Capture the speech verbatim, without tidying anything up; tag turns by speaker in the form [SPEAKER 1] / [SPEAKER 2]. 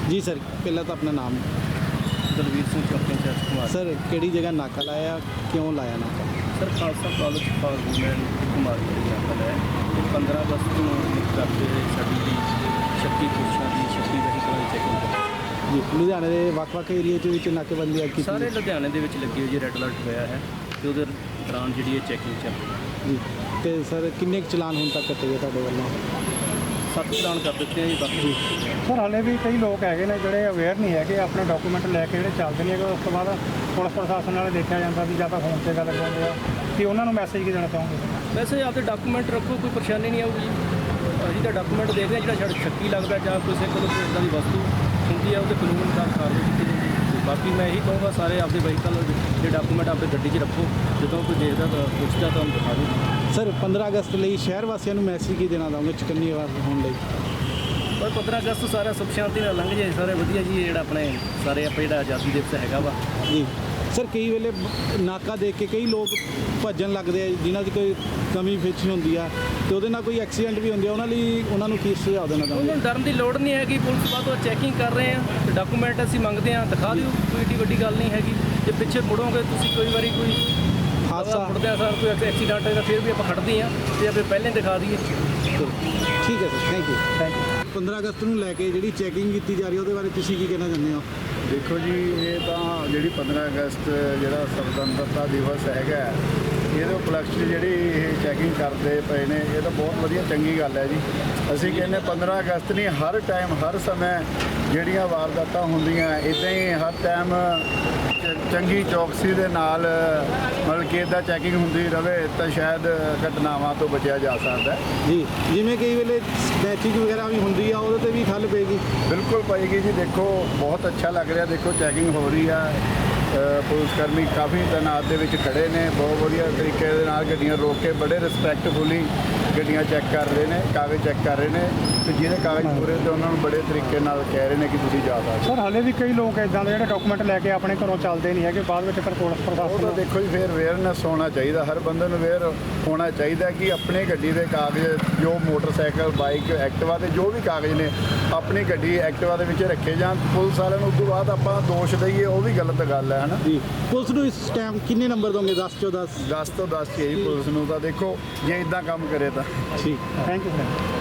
[SPEAKER 1] जी sir, पहला तो अपना नाम।
[SPEAKER 2] दलवीर सिंह चौकी इंचार्ज कुमार।
[SPEAKER 1] सर केड़ी जगह नाका लाया, क्यों लाया नाका?
[SPEAKER 2] सर खालसा कॉलेज फार्मूलैंड कुमार नाका है पंद्रह अगस्त को करते साड़ी की छत्ती पुरुषों की छत्ती वहीकल की चैकिंग
[SPEAKER 1] जी लुधियाने के ਵੱਖ-ਵੱਖ ਏਰੀਏ ਦੇ ਵਿੱਚ ਨਾਕੇਬੰਦੀ ਆ ਕੀਤੀ
[SPEAKER 2] ਸਾਰੇ ਲੁਧਿਆਣੇ ਦੇ ਵਿੱਚ ਲੱਗੀ ਹੋਈ ਜੀ, ਰੈੱਡ ਅਲਰਟ ਹੋਇਆ ਹੈ ਤੇ ਉਹਦੇ ਦੌਰਾਨ ਜਿਹੜੀ ਇਹ ਚੈਕਿੰਗ ਚੱਲ ਰਹੀ
[SPEAKER 1] ਜੀ। ਤੇ ਸਰ ਕਿੰਨੇ ਕੁ ਚਲਾਨ ਹੁਣ ਤੱਕ ਕੱਟੇ ਗਏ ਤੁਹਾਡੇ ਵੱਲੋਂ?
[SPEAKER 2] ਸੱਤ ਚਲਾਨ ਕਰ ਦਿੱਤੇ ਆ ਜੀ। ਬਾਕੀ
[SPEAKER 3] ਸਰ ਹਾਲੇ ਵੀ ਕਈ ਲੋਕ ਹੈਗੇ ਨੇ ਜਿਹੜੇ ਅਵੇਅਰ ਨਹੀਂ ਹੈਗੇ, ਆਪਣੇ ਡਾਕੂਮੈਂਟ ਲੈ ਕੇ ਜਿਹੜੇ ਚੱਲਦੇ ਨਹੀਂ ਹੈਗੇ। ਉਸ ਤੋਂ ਬਾਅਦ ਪੁਲਿਸ ਪ੍ਰਸ਼ਾਸਨ ਨਾਲ ਦੇਖਿਆ ਜਾਂਦਾ ਵੀ ਜਾਂ ਤਾਂ ਫੋਨ 'ਤੇ ਗੱਲ ਕਰਦੇ ਆ ਕਿ ਉਹਨਾਂ ਨੂੰ ਮੈਸੇਜ ਕੀ ਦੇਣਾ ਚਾਹੋਗੇ?
[SPEAKER 2] ਵੈਸੇ ਆਪਦੇ ਡਾਕੂਮੈਂਟ ਰੱਖੋ, ਕੋਈ ਪਰੇਸ਼ਾਨੀ ਨਹੀਂ ਆਊਗੀ। ਅਸੀਂ ਤਾਂ ਡਾਕੂਮੈਂਟ ਦੇਖਦੇ ਹਾਂ, ਜਿਹੜਾ ਛੜ ਛੱਕੀ ਲੱਗਦਾ ਜਾਂ ਕਿਸੇ ਕੋਲ ਕੋਈ ਇੱਦਾਂ ਦੀ ਵਸਤੂ ਹੁੰਦੀ ਹੈ ਉਹਦੇ ਕਾਨੂੰਨ ਅਨੁਸਾਰ ਕਾਰਵਾਈ ਕੀਤੀ ਜਾਂਦੀ ਹੈ। ਬਾਕੀ ਮੈਂ ਇਹੀ ਕਹੂੰਗਾ ਸਾਰੇ ਆਪਦੇ ਵਹੀਕਲ ਦੇ ਡਾਕੂਮੈਂਟ ਆਪਣੀ ਗੱਡੀ 'ਚ ਰੱਖੋ, ਜਦੋਂ ਕੋਈ ਦੇਖਦਾ ਤਾਂ ਪੁੱਛਦਾ ਤਾਂ ਉਹਨੂੰ ਦਿਖਾ ਦਿਓ।
[SPEAKER 1] ਸਰ ਪੰਦਰਾਂ ਅਗਸਤ ਲਈ ਸ਼ਹਿਰ ਵਾਸੀਆਂ ਨੂੰ ਮੈਸੇਜ ਕੀ ਦੇਣਾ ਚਾਹੋਗੇ ਚੁਕੰਨੀ ਹੋਣ ਲਈ?
[SPEAKER 2] ਪਰ ਪੰਦਰਾਂ ਅਗਸਤ ਸਾਰਾ ਸੁਖ ਸ਼ਾਂਤੀ ਨਾਲ ਲੰਘ ਜਾਏ, ਸਾਰੇ ਵਧੀਆ ਜੀ। ਜਿਹੜਾ ਆਪਣੇ ਸਾਰੇ ਆਪਾਂ ਜਿਹੜਾ ਆਜ਼ਾਦੀ ਦਿਵਸ ਹੈਗਾ ਵਾ
[SPEAKER 1] ਜੀ ਸਰ, ਕਈ ਵੇਲੇ ਨਾਕਾ ਦੇਖ ਕੇ ਕਈ ਲੋਕ ਭੱਜਣ ਲੱਗਦੇ ਆ ਜਿਨ੍ਹਾਂ ਦੀ ਕੋਈ ਕਮੀ ਫਿੱਚ ਹੁੰਦੀ ਆ ਤੇ ਉਹਦੇ ਨਾਲ ਕੋਈ ਐਕਸੀਡੈਂਟ ਵੀ ਹੁੰਦੇ ਆ, ਉਹਨਾਂ ਲਈ ਉਹਨਾਂ ਨੂੰ ਕੀ ਸੁਝਾਅ ਦੇਣਾ ਚਾਹੁੰਦੇ?
[SPEAKER 2] ਉਹਨਾਂ ਨੂੰ ਡਰਨ ਦੀ ਲੋੜ ਨਹੀਂ ਹੈਗੀ। ਪੁਲਿਸ ਬਾਅਦ ਉਹ ਚੈਕਿੰਗ ਕਰ ਰਹੇ ਆ ਤੇ ਡਾਕੂਮੈਂਟ ਅਸੀਂ ਮੰਗਦੇ ਆ, ਦਿਖਾ ਦਿਓ, ਕੋਈ ਏਡੀ ਵੱਡੀ ਗੱਲ ਨਹੀਂ ਹੈਗੀ। ਜੇ ਪਿੱਛੇ ਮੁੜੋਗੇ ਤੁਸੀਂ ਕੋਈ ਵਾਰੀ ਕੋਈ
[SPEAKER 1] ਹਾਦਸਾ
[SPEAKER 2] ਮੁੜਦੇ ਆ ਸਰ ਕੋਈ ਐਕਸੀਡੈਂਟ ਹੋਇਆ ਫਿਰ ਵੀ ਆਪਾਂ ਖੜਦੇ ਆ ਤੇ ਆਪਾਂ ਪਹਿਲਾਂ ਦਿਖਾ ਦਈਏ।
[SPEAKER 1] ਠੀਕ ਹੈ sir, thank you.
[SPEAKER 3] Thank you.
[SPEAKER 1] ਪੰਦਰਾਂ ਅਗਸਤ ਨੂੰ ਲੈ ਕੇ ਜਿਹੜੀ ਚੈਕਿੰਗ ਕੀਤੀ ਜਾ ਰਹੀ ਹੈ ਉਹਦੇ ਬਾਰੇ ਤੁਸੀਂ ਕੀ ਕਹਿਣਾ ਚਾਹੁੰਦੇ ਹੋ?
[SPEAKER 4] ਦੇਖੋ ਜੀ, ਇਹ ਤਾਂ ਜਿਹੜੀ ਪੰਦਰਾਂ ਅਗਸਤ ਜਿਹੜਾ ਸੁਤੰਤਰਤਾ ਦਿਵਸ ਹੈਗਾ, ਇਹਦੇ ਉਪਲਕਸ਼ 'ਚ ਜਿਹੜੀ ਇਹ ਚੈਕਿੰਗ ਕਰਦੇ ਪਏ ਨੇ, ਇਹ ਤਾਂ ਬਹੁਤ ਵਧੀਆ ਚੰਗੀ ਗੱਲ ਹੈ ਜੀ। ਅਸੀਂ ਕਹਿੰਦੇ ਪੰਦਰਾਂ ਅਗਸਤ ਨਹੀਂ, ਹਰ ਟਾਈਮ ਹਰ ਸਮੇਂ ਜਿਹੜੀਆਂ ਵਾਰਦਾਤਾਂ ਹੁੰਦੀਆਂ ਇੱਦਾਂ ਹੀ ਹਰ ਟਾਈਮ ਚੰਗੀ ਚੌਕਸੀ ਦੇ ਨਾਲ ਮਤਲਬ ਕਿ ਇੱਦਾਂ ਚੈਕਿੰਗ ਹੁੰਦੀ ਰਹੇ ਤਾਂ ਸ਼ਾਇਦ ਘਟਨਾਵਾਂ ਤੋਂ ਬਚਿਆ ਜਾ ਸਕਦਾ ਹੈ।
[SPEAKER 1] ਜੀ ਜਿਵੇਂ ਕਈ ਵੇਲੇ ਸਨੈਚਿੰਗ ਵਗੈਰਾ ਵੀ ਹੁੰਦੀ ਆ, ਉਹਦੇ 'ਤੇ ਵੀ ਠੱਲ ਪਏਗੀ?
[SPEAKER 4] ਬਿਲਕੁਲ ਪਏਗੀ ਜੀ। ਦੇਖੋ ਬਹੁਤ ਅੱਛਾ ਲੱਗ ਰਿਹਾ, ਦੇਖੋ ਚੈਕਿੰਗ ਹੋ ਰਹੀ ਆ, ਪੁਲਿਸ ਕਰਮੀ ਕਾਫੀ ਤੈਨਾਤ ਦੇ ਵਿੱਚ ਖੜੇ ਨੇ, ਬਹੁਤ ਵਧੀਆ ਤਰੀਕੇ ਦੇ ਨਾਲ ਗੱਡੀਆਂ ਰੋਕ ਕੇ ਬੜੇ ਰਿਸਪੈਕਟਫੁਲੀ ਗੱਡੀਆਂ ਚੈੱਕ ਕਰ ਰਹੇ ਨੇ, ਕਾਗਜ਼ ਚੈੱਕ ਕਰ ਰਹੇ ਨੇ ਤੇ ਜਿਹਦੇ ਕਾਗਜ਼ ਪੂਰੇ ਤੇ ਉਹਨਾਂ ਨੂੰ ਬੜੇ ਤਰੀਕੇ ਨਾਲ ਕਹਿ ਰਹੇ ਨੇ ਕਿ ਤੁਸੀਂ ਜਾ ਸਕਦੇ।
[SPEAKER 3] ਸਰ ਹਾਲੇ ਵੀ ਕਈ ਲੋਕ ਇੱਦਾਂ ਦੇ ਜਿਹੜੇ ਡਾਕੂਮੈਂਟ ਲੈ ਕੇ ਆਪਣੇ ਘਰੋਂ ਚੱਲਦੇ ਨਹੀਂ ਹੈਗੇ, ਬਾਅਦ ਵਿੱਚ ਫਿਰ ਪੁਲਿਸ
[SPEAKER 4] ਉਹ ਤਾਂ
[SPEAKER 3] ਪ੍ਰਸ਼ਾਸਨ
[SPEAKER 4] ਦੇਖੋ ਜੀ, ਫਿਰ ਅਵੇਅਰਨੈਸ ਹੋਣਾ ਚਾਹੀਦਾ, ਹਰ ਬੰਦੇ ਨੂੰ ਅਵੇਅਰ ਹੋਣਾ ਚਾਹੀਦਾ ਕਿ ਆਪਣੀ ਗੱਡੀ ਦੇ ਕਾਗਜ਼ ਜੋ ਮੋਟਰਸਾਈਕਲ, ਬਾਈਕ, ਐਕਟਿਵਾ ਦੇ ਜੋ ਵੀ ਕਾਗਜ਼ ਨੇ ਆਪਣੀ ਗੱਡੀ ਐਕਟਿਵਾ ਦੇ ਵਿੱਚ ਰੱਖੇ ਜਾਣ। ਪੁਲਿਸ ਵਾਲਿਆਂ ਨੂੰ ਉਸ ਤੋਂ ਬਾਅਦ ਆਪਾਂ ਦੋਸ਼ ਦਈਏ ਉਹ ਵੀ ਗਲਤ ਗੱਲ ਹੈ ਨਾ
[SPEAKER 1] ਜੀ। ਪੁਲਿਸ ਨੂੰ ਇਸ ਟਾਈਮ ਕਿੰਨੇ ਨੰਬਰ ਦੋਗੇ? ਦਸ ਚੋਂ ਦਸ?
[SPEAKER 4] ਦਸ ਤੋਂ ਦਸ ਹੀ ਹੈ ਜੀ ਪੁਲਿਸ ਨੂੰ ਤਾਂ। ਦੇਖੋ ਜੇ ਇਦਾਂ ਕੰਮ ਕਰੇ ਤਾਂ
[SPEAKER 1] ਠੀਕ।
[SPEAKER 3] Thank you sir.